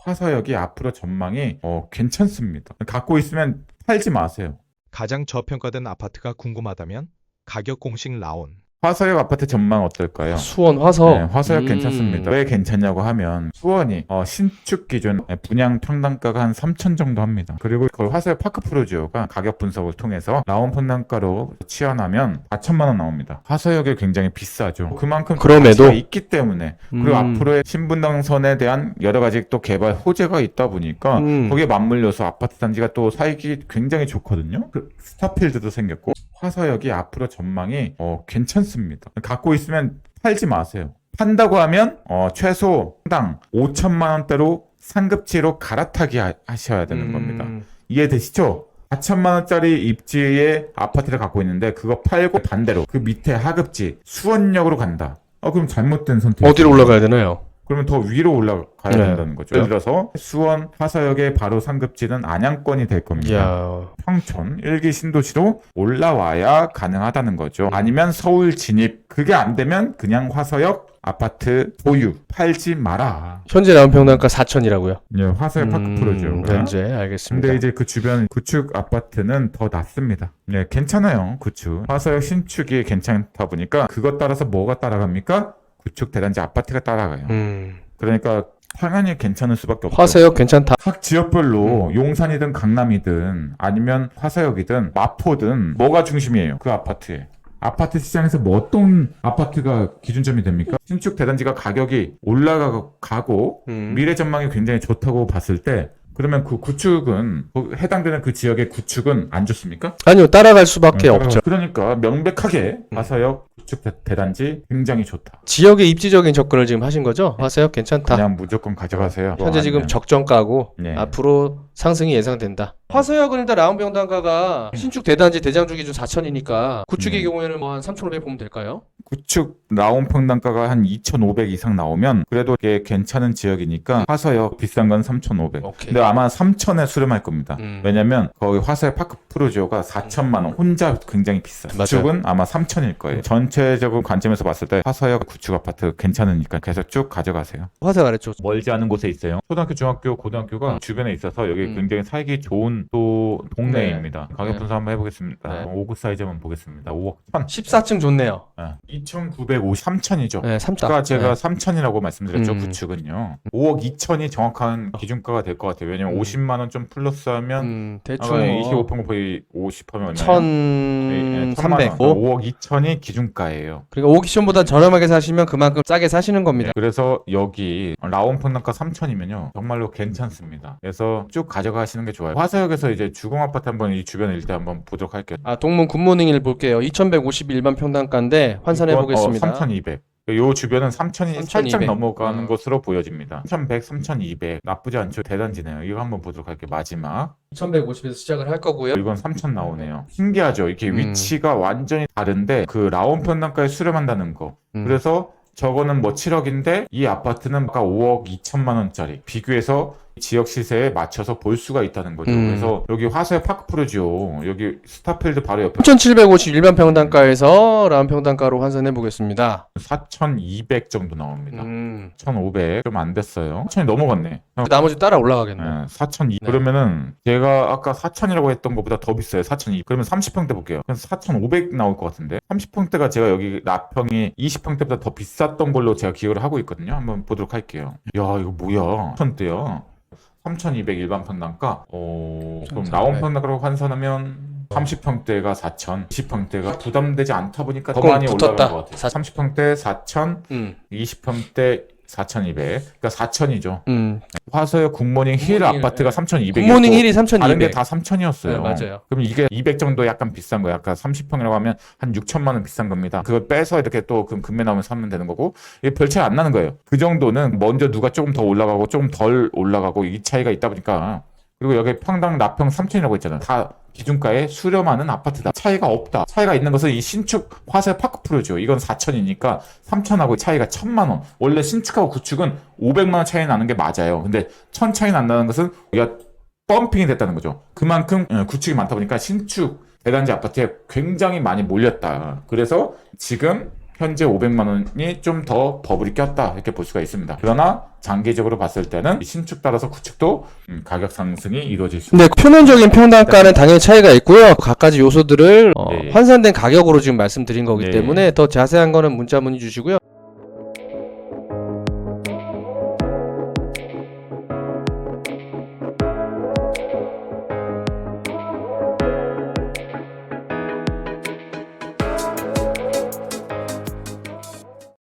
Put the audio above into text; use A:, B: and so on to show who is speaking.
A: 화서역이 앞으로 전망이 괜찮습니다. 갖고 있으면 팔지 마세요.
B: 가장 저평가된 아파트가 궁금하다면 가격 공식 라온.
A: 화서역 아파트 전망 어떨까요?
C: 수원 화서.
A: 네, 화서역 괜찮습니다. 왜 괜찮냐고 하면 수원이 신축 기준 분양 평당가가 한 3천 정도 합니다. 그리고 거의 화서역 파크 프로지오가 가격 분석을 통해서 라온 평당가로 치환하면 4천만 원 나옵니다. 화서역이 굉장히 비싸죠. 그만큼
C: 그럼에도?
A: 가치가 있기 때문에 그리고 앞으로의 신분당선에 대한 여러 가지 또 개발 호재가 있다 보니까 거기에 맞물려서 아파트 단지가 또 사익이 굉장히 좋거든요. 스타필드도 생겼고 화서역이 앞으로 전망이 괜찮습니다. 갖고 있으면 팔지 마세요. 판다고 하면 최소 당 5천만 원대로 상급지로 갈아타기 하셔야 되는 겁니다. 이해되시죠? 4천만 원짜리 입지의 아파트를 갖고 있는데 그거 팔고 반대로 그 밑에 하급지 수원역으로 간다. 그럼 잘못된 선택.
C: 어디로 올라가야 되나요?
A: 그러면 더 위로 올라가야
C: 네.
A: 된다는 거죠. 예를 들어서 수원 화서역의 바로 상급지는 안양권이 될 겁니다.
C: 이야.
A: 평촌 1기 신도시로 올라와야 가능하다는 거죠. 아니면 서울 진입. 그게 안 되면 그냥 화서역 아파트 보유. 팔지 마라.
C: 현재 나온 평당가 4천이라고요.
A: 예, 화서역 파크 프로죠.
C: 현재 알겠습니다.
A: 근데 이제 그 주변 구축 아파트는 더 낮습니다. 네, 괜찮아요. 구축. 화서역 신축이 괜찮다 보니까 그것 따라서 뭐가 따라갑니까? 구축 대단지 아파트가 따라가요. 그러니까 당연히 괜찮을 수밖에 없죠.
C: 화서역 괜찮다.
A: 각 지역별로 용산이든 강남이든 아니면 화서역이든 마포든 뭐가 중심이에요? 그 아파트에. 아파트 시장에서 뭐 어떤 아파트가 기준점이 됩니까? 신축 대단지가 가격이 올라가고 미래 전망이 굉장히 좋다고 봤을 때 그러면 그 구축은 해당되는 그 지역의 구축은 안 좋습니까?
C: 아니요, 따라갈 수밖에 없죠.
A: 그러니까 명백하게 화서역 구축 대단지 굉장히 좋다.
C: 지역의 입지적인 접근을 지금 하신 거죠? 화서역 괜찮다.
A: 그냥 무조건 가져가세요.
C: 현재 지금 적정가고
A: 네.
C: 앞으로 상승이 예상된다. 화서역은 일단 라운 평당가가 신축 대단지 대장주 기준 4천이니까 구축의 경우에는 뭐 한 3,500 보면 될까요?
A: 구축 라온 평당가가 한 2,500 이상 나오면 그래도 이게 괜찮은 지역이니까 화서역 비싼 건 3,500.
C: 오케이.
A: 근데 아마 3,000에 수렴할 겁니다. 왜냐면 거기 화서역 파크 프로지오가 4천만 원. 혼자 굉장히 비싸요. 구축은 아마 3,000일 거예요. 전체적인 관점에서 봤을 때 화서역 구축 아파트 괜찮으니까 계속 쭉 가져가세요.
C: 화서역 아래쪽.
A: 멀지 않은 곳에 있어요. 초등학교, 중학교, 고등학교가 주변에 있어서 여기 굉장히 살기 좋은 또 동네입니다. 가격 분석 한번 해보겠습니다.
C: 네.
A: 5구 사이즈 한번 보겠습니다. 5억 1천.
C: 14층 좋네요.
A: 2,950, 3천이죠.
C: 네, 3천.
A: 아까 제가
C: 네.
A: 3천이라고 말씀드렸죠. 구축은요. 5억 2천이 정확한 기준가가 될 것 같아요. 왜냐면 50만 원 좀 플러스하면
C: 대충
A: 25% 거의 50하면 얼마예요?
C: 1,300.
A: 5억 2천이 기준가예요.
C: 그러니까 오기션보다 저렴하게 사시면 그만큼 싸게 사시는 겁니다.
A: 그래서 여기 라온 평당가 3천이면요 정말로 괜찮습니다. 그래서 쭉 가져가시는 게 좋아요. 화서역에서 이제 주공 아파트 한번 이 주변 일대 한번 보도록 할게요.
C: 동문 굿모닝을 볼게요. 2,150 일반 평당가인데 환산해 보겠습니다.
A: 3,200. 요 주변은 3,000이 살짝
C: 3,200.
A: 넘어가는 것으로 보여집니다. 3,100, 3,200 나쁘지 않죠. 대단지네요. 이거 한번 보도록 할게요. 마지막
C: 2,150에서 시작을 할 거고요.
A: 이건 3,000 나오네요. 신기하죠. 이렇게 위치가 완전히 다른데 그 라온 평당가에 수렴한다는 거. 그래서 저거는 뭐 7억인데 이 아파트는 아까 5억 2천만 원짜리 비교해서 지역 시세에 맞춰서 볼 수가 있다는 거죠. 그래서 여기 화서역 파크 프로지오 여기 스타필드 바로 옆에
C: 3,750 일반 평당가에서 라운 평당가로 환산해 보겠습니다.
A: 4,200 정도 나옵니다. 1,500 좀 안 됐어요. 4,000이 넘어갔네.
C: 나머지 따라 올라가겠네.
A: 4,200 그러면은 제가 아까 4,000이라고 했던 것보다 더 비싸요. 4,200 그러면 30평대 볼게요. 그래서 4,500 나올 것 같은데 30평대가 제가 여기 나평이 20평대보다 더 비쌌던 걸로 제가 기억을 하고 있거든요. 한번 보도록 할게요. 야 이거 뭐야 1,000대야. 3,200 일반 평당가. 그럼 라온 평당가로 환산하면 30평대가 4,000, 20평대가 부담되지 않다 보니까 더 많이 올라간 것 같아요. 30평대 4,000, 20평대 4,200. 그러니까 4,000이죠. 화서역 굿모닝 힐 아파트가 3,200.
C: 굿모닝 힐이 3,200.
A: 다른 게 다 3,000이었어요.
C: 네, 맞아요.
A: 그럼 이게 200 정도 약간 비싼 거예요. 아까 30평이라고 하면 한 6천만 원 비싼 겁니다. 그걸 빼서 이렇게 또 금매 나오면 사면 되는 거고 이게 별 차이 안 나는 거예요. 그 정도는 먼저 누가 조금 더 올라가고 조금 덜 올라가고 이 차이가 있다 보니까 그리고 여기 평당 나평 3,000이라고 했잖아요. 다 기준가에 수렴하는 아파트다. 차이가 없다. 차이가 있는 것은 이 신축 화서역 파크 프로죠. 이건 4,000이니까 3,000하고 차이가 1,000만 원. 원래 신축하고 구축은 500만 원 차이 나는 게 맞아요. 근데 1,000 차이 난다는 것은 우리가 펌핑이 됐다는 거죠. 그만큼 구축이 많다 보니까 신축 대단지 아파트에 굉장히 많이 몰렸다. 그래서 지금 현재 500만 원이 좀 더 버블이 꼈다 이렇게 볼 수가 있습니다. 그러나 장기적으로 봤을 때는 신축 따라서 구축도 가격 상승이 이루어질 수
C: 네, 표면적인 평당가는 당연히 차이가 있고요. 각가지 요소들을
A: 예, 예.
C: 환산된 가격으로 지금 말씀드린 거기
A: 예,
C: 때문에 더 자세한 거는 문자 문의 주시고요.